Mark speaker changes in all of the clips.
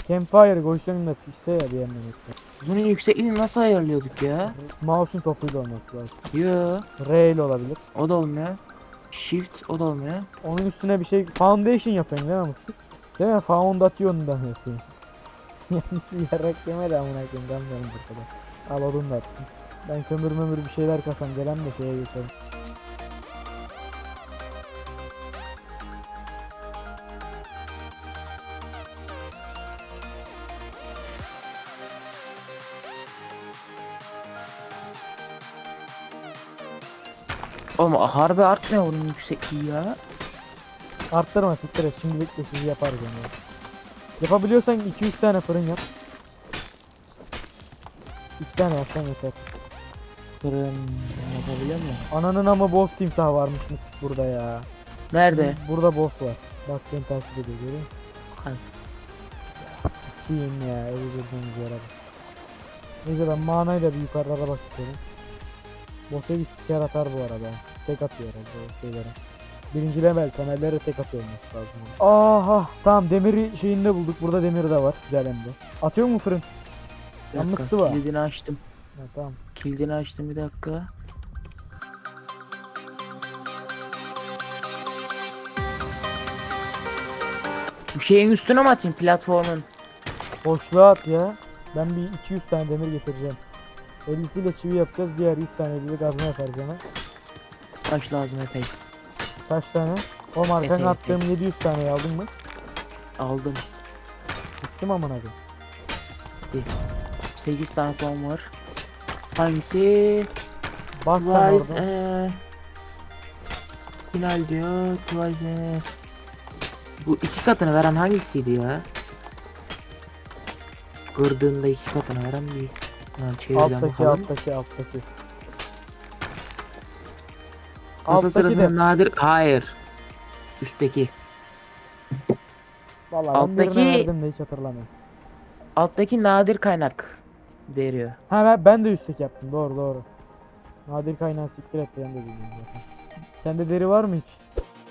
Speaker 1: Campfire koysanın da pişse ya bir yandan işte.
Speaker 2: Bunun yüksekliğini nasıl ayarlıyorduk ya?
Speaker 1: Mouse'un topuyla olması lazım.
Speaker 2: Yo,
Speaker 1: R ile olabilir.
Speaker 2: o da olmuyor. Shift, o da olmuyor.
Speaker 1: Onun üstüne bir şey foundation yapıyorsun değil mi mıstık? Değil mi? Foundation'dan yapıyorsun. Yanlış bir yarak yeme de amına koyayım kalmıyorum bu kadar. Al odun da attım. Ben kömür bir şeyler kasam gelen de şeye geçelim.
Speaker 2: Oğlum harbi artmıyor bunun yüksekliği ya.
Speaker 1: Arttırma siktir et şimdilik de sizi yaparız yani. Yapabiliyorsan 2-3 tane fırın yap. 2 tane yapsan yeter.
Speaker 2: Fırın yapabiliyor mu?
Speaker 1: Ananın ama boss timsah varmış mıstık burada ya.
Speaker 2: Nerede?
Speaker 1: Burada boss var. Bak beni takip ediyor görüyor musun?
Speaker 2: Has.
Speaker 1: Sikiyim ya evi bildiğiniz yere bak. Neyse ben manayla bir yukarılara bakıyorum. Boss'a bir siker atar bu arada. Tek atıyor herhalde o şeylere. Birinci level temellere tek atıyor olması lazım. Aha tamam demiri şeyinde bulduk. Burada demir de var. Güzel hem de. Atıyor mu fırın?
Speaker 2: Bir
Speaker 1: Yanlış
Speaker 2: dakika,
Speaker 1: sıva.
Speaker 2: kilidini açtım.
Speaker 1: Ha, tamam.
Speaker 2: Kilidini açtım bir dakika. Bu şeyin üstüne mi atayım platformun?
Speaker 1: Boşluğa at ya. Ben bir 200 tane demir getireceğim. 50'siyle çivi yapacağız. Diğer 100 tane de gazma yaparız hemen.
Speaker 2: Taş lazım epey.
Speaker 1: Kaç tane? O markanın
Speaker 2: Epey,
Speaker 1: attığım 700 taneyi aldın mı?
Speaker 2: Aldım.
Speaker 1: Gittim aman abi.
Speaker 2: 8 tane puan var. Hangisi?
Speaker 1: Bas sen
Speaker 2: Twice
Speaker 1: oradan.
Speaker 2: final diyor. Twice Bu iki katını veren hangisiydi ya? Kırdığında iki katını veren bir. Lan çevirden
Speaker 1: Alttaki
Speaker 2: bakalım.
Speaker 1: alttaki.
Speaker 2: Masa
Speaker 1: Alttaki
Speaker 2: sırasında
Speaker 1: de.
Speaker 2: nadir. Hayır. Üstteki.
Speaker 1: Vallahi ben birine
Speaker 2: Alttaki
Speaker 1: verdim de hiç hatırlamıyorum.
Speaker 2: alttaki nadir kaynak veriyor.
Speaker 1: Ha ben de üstteki yaptım doğru. Nadir kaynağı siktir et ben de bilmiyorum zaten. Sende deri var mı hiç?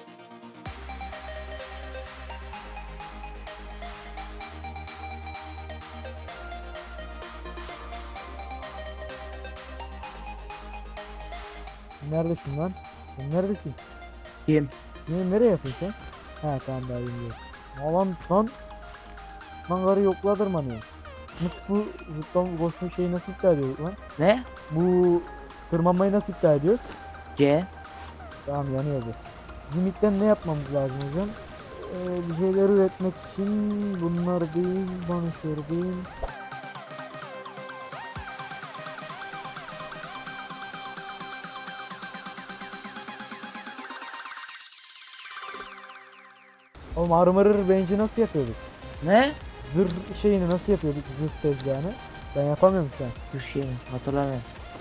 Speaker 1: Neredesin lan? Sen neredesin?
Speaker 2: Kim?
Speaker 1: Nereye yapıyorsun sen? Ha tamam daha bilmiyorum. Lan karı yokladırmanıyor. Nasıl bu zıplama koşma şeyi nasıl iptal ediyor lan?
Speaker 2: Ne?
Speaker 1: Bu tırmanmayı nasıl iptal ediyor?
Speaker 2: C.
Speaker 1: Tamam yanıyordu. Limit'ten ne yapmamız lazım hocam? Bir şeyler üretmek için bunlar değil, banışır değil. Oğlum armor'ır bench'i nasıl yapıyorduk?
Speaker 2: Ne?
Speaker 1: Zırh şeyini nasıl yapıyorduk zırh tezgahını? Ben yapamıyorum şu an.
Speaker 2: Bu şey hatırlamıyorum.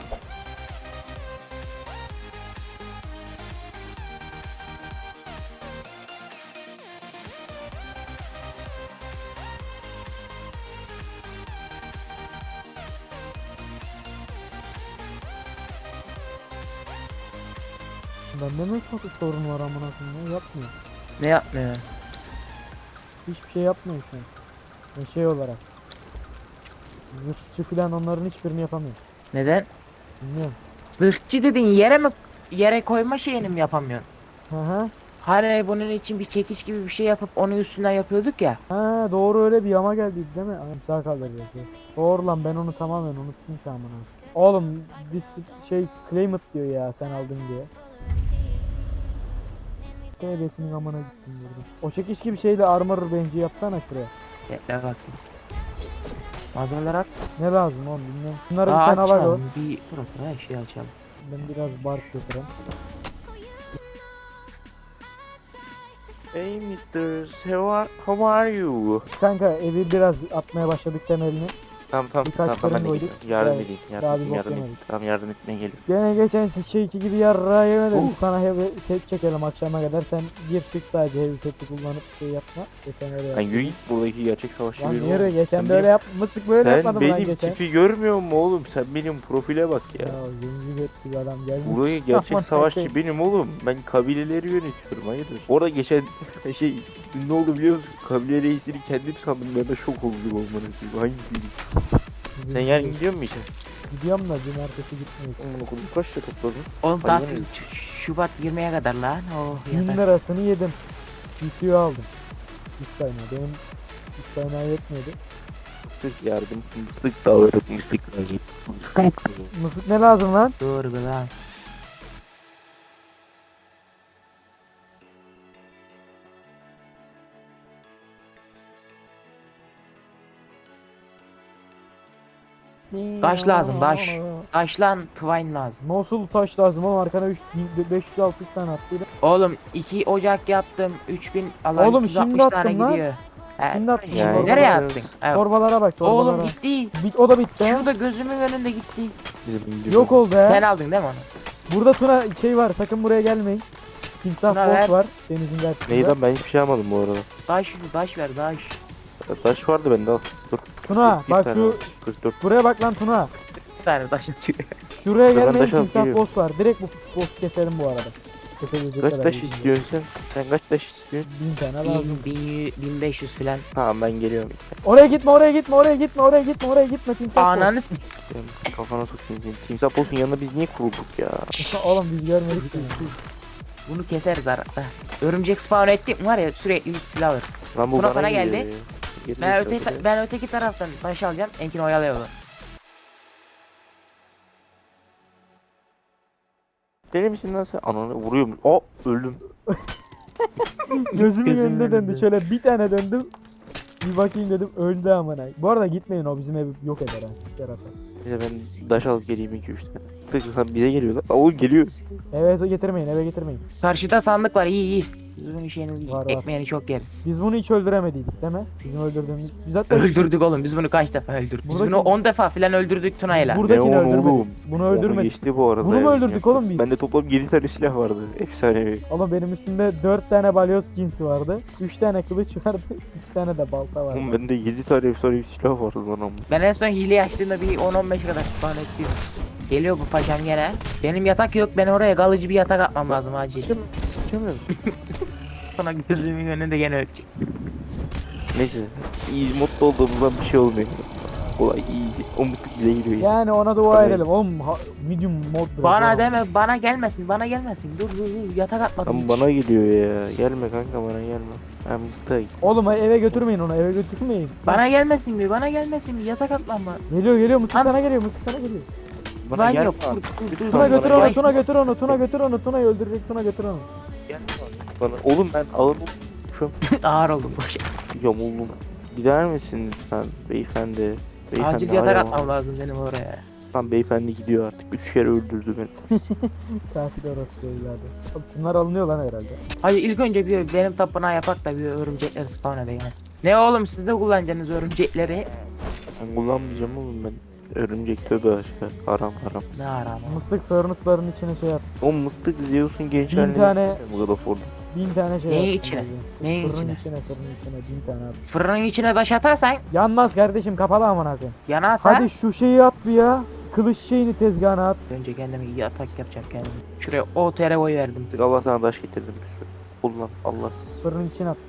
Speaker 1: Bende mi sorun var amına koyayım ya? Yapmıyor.
Speaker 2: Ne yapmıyor?
Speaker 1: Hiçbir şey yapmıyor şu an. Yani şey olarak. Zırhçı falan onların hiçbirini yapamıyor.
Speaker 2: Neden?
Speaker 1: Bilmiyorum.
Speaker 2: Zırhçı dedin yere koyma şeyini mi yapamıyorsun?
Speaker 1: Hı hı.
Speaker 2: Hani bunun için bir çekiç gibi bir şey yapıp onun üstünden yapıyorduk ya.
Speaker 1: Ha doğru öyle bir yama geldi değil mi? Anam sağ kaldıracak. Doğru lan ben onu tamamen unuttum şu an bunu. Oğlum this şey claim it diyor ya sen aldın diye. SB'sinin amına gittim burada. O çekiş gibi şeyle armor bench'i yapsana şuraya.
Speaker 2: Bekle bakayım. Malzemeler at.
Speaker 1: Ne lazım oğlum bilmiyorum. Bunları bir
Speaker 2: Aa,
Speaker 1: sen al hadi.
Speaker 2: açalım. Bir sıra sıra her şeyi açalım.
Speaker 1: Ben biraz bark götüreyim.
Speaker 3: Hey Mr. How are you?
Speaker 1: Kanka evi biraz atmaya başladık temelini.
Speaker 3: Tamam
Speaker 1: Birkaç
Speaker 3: ben de
Speaker 1: fırın
Speaker 3: geliyorum.
Speaker 1: koyduk.
Speaker 3: Yardım
Speaker 1: Daha-
Speaker 3: edeyim.
Speaker 1: daha bir bok
Speaker 3: Yardım edeyim.
Speaker 1: yemedik.
Speaker 3: Tamam yardım etmeye geliyorum.
Speaker 1: Gene geçen şeyki gibi yarra yemedim.
Speaker 3: Uf.
Speaker 1: Sana heavy set çekelim akşama kadar. Sen gir çık sadece heavy seti kullanıp şey yapma. Geçen öyle
Speaker 3: Ben
Speaker 1: yaptım.
Speaker 3: yürü git buradaki gerçek savaşçı
Speaker 1: Lan
Speaker 3: benim
Speaker 1: yürü
Speaker 3: oğlum.
Speaker 1: geçen
Speaker 3: Sen
Speaker 1: böyle
Speaker 3: benim-
Speaker 1: yapmıştık böyle
Speaker 3: Sen
Speaker 1: yapmadım lan
Speaker 3: benim
Speaker 1: geçen.
Speaker 3: tipi görmüyor musun oğlum? Sen benim profile bak ya.
Speaker 1: Ya zenci ettik adam gelmiş.
Speaker 3: Burayı gerçek
Speaker 1: Aman
Speaker 3: savaşçı
Speaker 1: Allah'ım.
Speaker 3: benim oğlum. Ben kabileleri yönetiyorum hayırdır. Orada geçen şey ne oldu biliyor musun? Kabile reisini kendim sandım, ben de şok oldum olmanın gibi. Hangisiydi? Sen yarın gidiyor musun işe?
Speaker 1: Gidiyorum da cumartesi gitmeyiz.
Speaker 3: Oğlum okulu kaç lira topladın?
Speaker 2: Oğlum
Speaker 3: Hayvan
Speaker 2: tatil
Speaker 3: herif.
Speaker 2: Şubat 20'ye kadar lan. Oh
Speaker 1: 1000
Speaker 2: yatak.
Speaker 1: lirasını yedim. GPU aldım. İstayna. Benim istayna yetmedi.
Speaker 3: Mıstık yardım, mıstık da alırım, mıstık lazım.
Speaker 1: Mısık ne lazım lan?
Speaker 2: Doğru be lan. Taş lazım, taş. Taş lan twine lazım.
Speaker 1: Nasıl taş lazım oğlum, arkana 500-600 tane attıydı.
Speaker 2: Oğlum 2 ocak yaptım. 3000 Allah
Speaker 1: Oğlum
Speaker 2: 360
Speaker 1: şimdi
Speaker 2: tane
Speaker 1: attın lan.
Speaker 2: gidiyor. He,
Speaker 1: Şimdi attın
Speaker 2: şimdi
Speaker 3: yani.
Speaker 2: nereye
Speaker 3: Torbalara-
Speaker 2: attın? Evet.
Speaker 1: Torbalara bak, torbalara.
Speaker 2: Oğlum gitti.
Speaker 1: O da bitti ha.
Speaker 2: Şurada gözümün önünde gitti.
Speaker 1: Yok oldu ha.
Speaker 2: Sen aldın değil mi onu?
Speaker 1: Burada Tuna şey var, sakın buraya gelmeyin. Timsah
Speaker 2: Tuna
Speaker 1: boss
Speaker 2: ver.
Speaker 1: var denizin karşısında.
Speaker 3: Neyden, ben hiçbir şey almadım bu arada.
Speaker 2: Taş ver taş.
Speaker 3: Taş vardı bende, al. Dur.
Speaker 1: Tuna
Speaker 3: Bir
Speaker 1: bak
Speaker 3: tane
Speaker 1: şu
Speaker 3: var. 44.
Speaker 1: buraya bak lan Tuna.
Speaker 2: Bir tane taş atıyor.
Speaker 1: Şuraya
Speaker 3: Ben
Speaker 1: gelmeyin,
Speaker 3: taş alıp
Speaker 1: timsah
Speaker 3: geliyorum.
Speaker 1: boss var. Direkt bu boss keselim bu arada. Kesebilecek
Speaker 3: Kaç
Speaker 1: kadar
Speaker 3: taş
Speaker 1: gücüm yok.
Speaker 3: istiyorsun sen? Sen kaç taş istiyorsun?
Speaker 1: 1000 tane lazım.
Speaker 2: 1500 falan.
Speaker 3: Tamam ben geliyorum.
Speaker 1: Oraya gitme, oraya gitme, oraya gitme, oraya gitme, oraya gitme timsah boss.
Speaker 2: Ananı s-
Speaker 3: Ben kafana sokayım seni. Timsah Post'un yanına biz niye kurulduk ya?
Speaker 1: Oğlum biz görmedik seni.
Speaker 2: Bunu keseriz arada. Örümcek spawn ettik mi var ya sürekli hiç silah alırız.
Speaker 3: Lan bu
Speaker 2: Tuna
Speaker 3: bana
Speaker 2: sana
Speaker 3: geliyor
Speaker 2: geldi.
Speaker 3: ya. Geri
Speaker 2: Ben öteki taraftan taş alacağım. Enkin oyalıyor onu.
Speaker 3: Deli misin lan sen? Ananı vuruyorum. O öldüm.
Speaker 1: Gözümün
Speaker 2: Gözümün
Speaker 1: önünde döndü.
Speaker 2: önünde.
Speaker 1: Şöyle bir tane döndüm. Bir bakayım dedim, öldü amına. Bu arada gitmeyin, o bizim evi yok eder ha. Yaratar.
Speaker 3: Neyse ben taş alıp geleyim 2-3 tane. Tık sen bize geliyor lan. Oğlum geliyor.
Speaker 1: Eve getirmeyin, eve getirmeyin.
Speaker 2: Karşıda sandık var iyi. Biz bunun şeyini
Speaker 1: Var, var.
Speaker 2: ekmeğini çok yeriz.
Speaker 1: Biz bunu hiç öldüremediydik değil mi? Bizim öldürdüğümüz. Biz zaten
Speaker 2: Öldürdük oğlum biz bunu kaç defa öldürdük. Biz
Speaker 1: Buradaki-
Speaker 2: bunu 10 defa falan öldürdük Tuna'yla.
Speaker 1: Buradakini
Speaker 3: Ne onu
Speaker 1: öldürmedik.
Speaker 3: oğlum?
Speaker 1: Bunu
Speaker 3: Onu
Speaker 1: öldürmedik.
Speaker 3: geçti bu arada.
Speaker 1: Bunu mu
Speaker 3: ya,
Speaker 1: öldürdük
Speaker 3: bizim
Speaker 1: oğlum biz?
Speaker 3: Bende toplam 7 tane silah vardı. Efsanevi.
Speaker 1: Ama benim üstümde 4 tane balyoz cinsi vardı. 3 tane kılıç vardı. 3 tane de balta vardı.
Speaker 3: Oğlum bende 7 tane efsanevi silah vardı lan ama.
Speaker 2: Ben en son hile açtığımda bir 10-15 kadar spawn ettim. Geliyor bu paşam gene. Benim yatak yok, ben oraya kalıcı bir yatak atmam lazım acil.
Speaker 3: Çıkamıyorum.
Speaker 2: Sonra gözümün önünde gene ölecek.
Speaker 3: Neyse. İyi mutlu olduğumuzdan bir şey olmuyor. Kolay iyi. O mıstık bize geliyor ya.
Speaker 1: Yani ona dua
Speaker 3: Tabii.
Speaker 1: edelim. Oğlum medium mod bırak.
Speaker 2: Bana
Speaker 1: oğlum.
Speaker 2: deme, bana gelmesin, bana gelmesin. Dur yatak atmadım.
Speaker 3: Lan
Speaker 2: hiç.
Speaker 3: bana geliyor ya. Gelme kanka, bana gelme. Ben mıstığa git.
Speaker 1: Oğlum eve götürmeyin onu, eve götürmeyin.
Speaker 2: Bana gelmesin mi? Bana gelmesin mi? Yatak atmam mı?
Speaker 1: Geliyor mısır
Speaker 2: An-
Speaker 1: sana geliyor, mısır sana geliyor.
Speaker 3: Bana
Speaker 2: Ben
Speaker 3: gelme
Speaker 2: yok.
Speaker 3: lan.
Speaker 2: Dur.
Speaker 1: Tuna
Speaker 3: Bana
Speaker 1: götür
Speaker 3: gel.
Speaker 1: onu, Tuna götür onu, Tuna götür onu, Tuna'yı öldürecek, Tuna götür onu.
Speaker 3: Gelme bana. Oğlum ben ağır şu
Speaker 2: Ağır oldum boş.
Speaker 3: yamuldum. Gider misin lütfen beyefendi? Beyefendi
Speaker 2: Acil yatak
Speaker 3: hala
Speaker 2: atmam
Speaker 3: var.
Speaker 2: lazım benim oraya.
Speaker 3: Lan beyefendi gidiyor artık. 3 kere öldürdü beni.
Speaker 1: Katil orası evladı. Oğlum şunlar alınıyor lan herhalde.
Speaker 2: Hayır ilk önce bir benim tapınağı yapak da bir örümcekleri spawn edeyim. Ne oğlum siz de kullanacaksınız örümcekleri.
Speaker 3: Ben kullanmayacağım oğlum ben. Örümcek tövbe aşkına. Haram haram.
Speaker 2: Ne arama.
Speaker 1: Mıstık furnace'ların içine şey at.
Speaker 3: O mıstık Zeus'un genç
Speaker 1: 1000
Speaker 3: haline
Speaker 1: tane-
Speaker 3: gitmiyor mu God of War'da?
Speaker 1: 1000 tane şey
Speaker 2: Neyin
Speaker 1: at.
Speaker 2: içine? Neyin
Speaker 1: Fırının
Speaker 2: içine?
Speaker 1: fırının içine 1000 tane at.
Speaker 2: Fırının içine taş atarsan
Speaker 1: Yanmaz kardeşim, kapalı amına koyayım.
Speaker 2: yanarsa.
Speaker 1: Hadi şu şeyi at bir ya. Kılıç şeyini tezgahına at.
Speaker 2: Önce kendime yatak yapacağım kendime. Şuraya OTR oy verdim.
Speaker 3: Allah sana taş getirdim. Kullan Allah.
Speaker 1: Fırının içine at.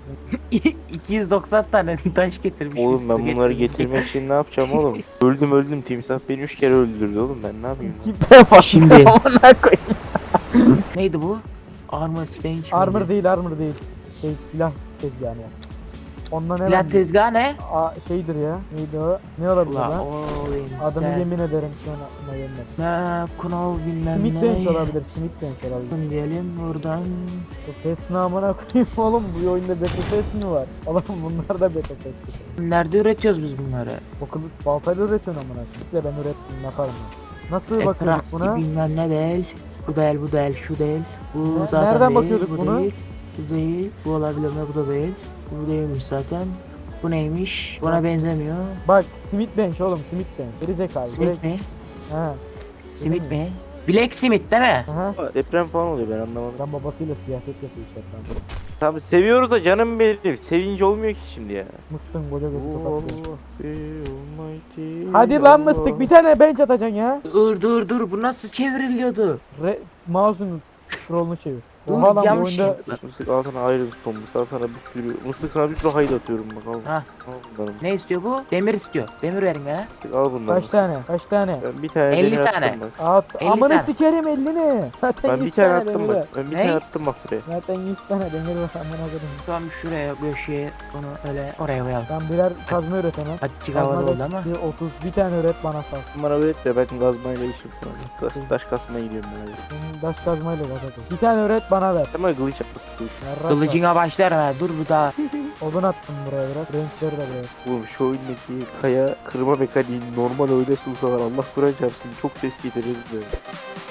Speaker 2: 290 tane taş getirmiş.
Speaker 3: Oğlum
Speaker 2: üstü
Speaker 3: ben bunları
Speaker 2: getirmiş.
Speaker 3: getirmek için ne yapacağım oğlum? Öldüm timsah beni 3 kere öldürdü oğlum, ben ne yapayım?
Speaker 1: Tipe bak.
Speaker 2: Şimdi.
Speaker 1: Amına koyayım.
Speaker 2: Neydi bu? Armor bench
Speaker 1: Armor değil, armor değil. Şey, silah tezgahını yap. Ondan ne
Speaker 2: Silah
Speaker 1: lan?
Speaker 2: tezgahı ne?
Speaker 1: Şeydir ya. Neydi o? Ne olabilir
Speaker 2: Ula
Speaker 1: lan?
Speaker 2: oğlum
Speaker 1: Adını
Speaker 2: sen.
Speaker 1: yemin ederim şu an aklıma gelmedi.
Speaker 2: Ne kunov bilmem
Speaker 1: Smith
Speaker 2: ne.
Speaker 1: Bench olabilir, Smith Bench olabilir.
Speaker 2: Diyelim buradan.
Speaker 1: Bu PES namına koyayım oğlum, bu oyunda Battle Pass mi var? Oğlum bunlar da Battle Pass.
Speaker 2: Nerede üretiyoruz biz bunları?
Speaker 1: O kılıç baltayla üretiyorsun amına koyayım. İşte ben ürettim, yaparım ben. Nasıl bakıyorduk
Speaker 2: Ekrak
Speaker 1: buna?
Speaker 2: bilmem ne değil. Bu değil, bu değil, şu değil. Bu
Speaker 1: Ne-
Speaker 2: zaten
Speaker 1: nereden
Speaker 2: değil,
Speaker 1: bakıyorduk
Speaker 2: bu
Speaker 1: buna?
Speaker 2: değil. Bu değil, bu olabilir mi? Bu da değil. Bu değilmiş zaten. Bu neymiş? Buna benzemiyor.
Speaker 1: Bak Smith Bench oğlum, Smith Bench. Geri zekalı.
Speaker 2: Simit mi?
Speaker 1: Ha.
Speaker 2: Simit mi? Black Simit değil mi?
Speaker 1: Aha.
Speaker 3: Deprem falan oluyor, ben anlamadım.
Speaker 1: Ben babasıyla siyaset yapıyor işte.
Speaker 3: Tabi seviyoruz da canım benim. Sevince olmuyor ki şimdi ya.
Speaker 1: Mıstın koca götü
Speaker 3: Oh,
Speaker 1: tokatıyor.
Speaker 3: be almighty
Speaker 1: Hadi lan
Speaker 3: Allah.
Speaker 1: mıstık, bir tane bench atacaksın ya.
Speaker 2: Dur, bu nasıl çevriliyordu?
Speaker 1: Mouse'un scroll'unu çevir. Oha lan bu
Speaker 2: yanlış
Speaker 1: oyunda
Speaker 2: şey.
Speaker 3: Mıstık al sana ayrı stone mıstık al sana bir sürü. Mıstık sana bir sürü hayır atıyorum bak al.
Speaker 2: Ha.
Speaker 3: Al bunları.
Speaker 2: Ne istiyor bu? Demir istiyor. Demir verin bana.
Speaker 3: Mıstık, al bunları.
Speaker 1: kaç
Speaker 3: mıstık.
Speaker 1: tane? Kaç tane?
Speaker 3: Ben bir tane
Speaker 2: 50
Speaker 3: demir
Speaker 2: tane.
Speaker 3: attım bak.
Speaker 1: At.
Speaker 2: 50
Speaker 1: Amına
Speaker 2: tane.
Speaker 1: sikerim 50'ni. Zaten
Speaker 3: Ben bir
Speaker 1: 100
Speaker 3: tane
Speaker 1: tane
Speaker 3: attım
Speaker 1: demir var.
Speaker 3: bak. Ben bir
Speaker 2: Ne?
Speaker 3: tane attım bak buraya.
Speaker 1: Zaten 100 tane demir var amına koyayım.
Speaker 2: Tamam şuraya köşeye onu öyle oraya koyalım.
Speaker 1: Ben birer kazma üret hemen.
Speaker 2: Azıcık havalı
Speaker 1: Kazma
Speaker 2: oldu
Speaker 1: da
Speaker 2: ama.
Speaker 1: bir 30 bir tane üret bana sal.
Speaker 3: Bana öğret de ben gazmayla işim falan. Taş kasmaya gidiyorum ben hadi.
Speaker 1: Benim taş kazmayla zaten. Bir tane üret bana ver.
Speaker 3: Tamam kılıç yapmasın kılıç.
Speaker 1: Yarrak var.
Speaker 2: Kılıcına başlarım ha. Dur bu daha.
Speaker 1: Odun attım buraya biraz. Renkleri de buraya.
Speaker 3: Oğlum şu oyundaki kaya kırma mekaniği normal oyunda sunsalar Allah Kur'an çarpsın çok ses getirir de.